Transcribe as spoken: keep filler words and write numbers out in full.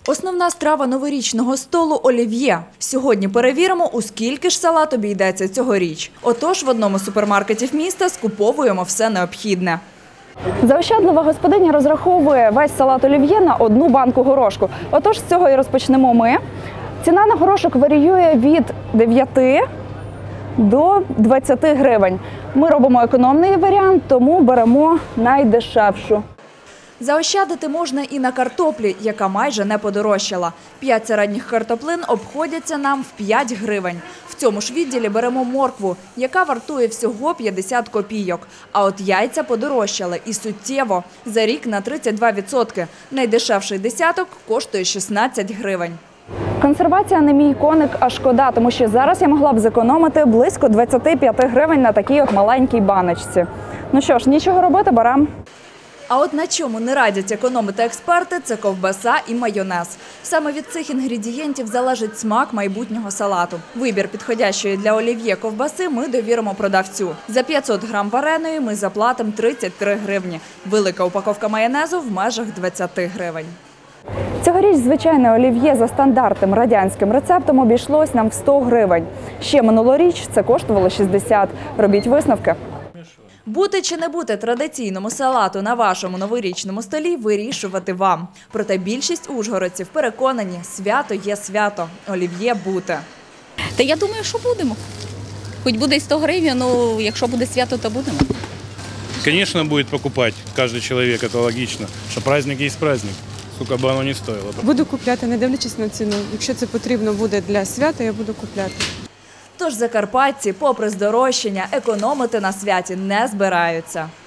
Основна страва новорічного столу – олів'є. Сьогодні перевіримо, у скільки ж салат обійдеться цьогоріч. Отож, в одному з супермаркетів міста скуповуємо все необхідне. Заощадлива господиня розраховує весь салат олів'є на одну банку горошку. Отож, з цього і розпочнемо ми. Ціна на горошок варіює від дев'яти до двадцяти гривень. Ми робимо економний варіант, тому беремо найдешевшу. Заощадити можна і на картоплі, яка майже не подорожчала. П'ять середніх картоплин обходяться нам в п'ять гривень. В цьому ж відділі беремо моркву, яка вартує всього п'ятдесят копійок. А от яйця подорожчали і суттєво. За рік на тридцять два відсотки. Найдешевший десяток коштує шістнадцять гривень. Консервація не мій коник, а шкода, тому що зараз я могла б зекономити близько двадцяти п'яти гривень на такій от маленькій баночці. Ну що ж, нічого робити, беремо. А от на чому не радять економити експерти – це ковбаса і майонез. Саме від цих інгредієнтів залежить смак майбутнього салату. Вибір підходящої для олів'є ковбаси ми довіримо продавцю. За п'ятсот грам вареної ми заплатимо тридцять три гривні. Велика упаковка майонезу в межах двадцяти гривень. Цьогоріч звичайне олів'є за стандартним радянським рецептом обійшлось нам в сто гривень. Ще минулоріч це коштувало шістдесят. Робіть висновки. Бути чи не бути традиційному салату на вашому новорічному столі – вирішувати вам. Проте більшість ужгородців переконані – свято є свято, олів'є бути. Та я думаю, що будемо. Хоч буде і сто гривень, ну якщо буде свято, то будемо. Звісно, буде покупати кожен чоловік, це логічно, що праздник є праздник, скільки б воно не стоїло. Буду купляти, не дивлячись на ціну. Якщо це потрібно буде для свята, я буду купляти. Тож закарпатці, попри здорожчання, економити на святі не збираються.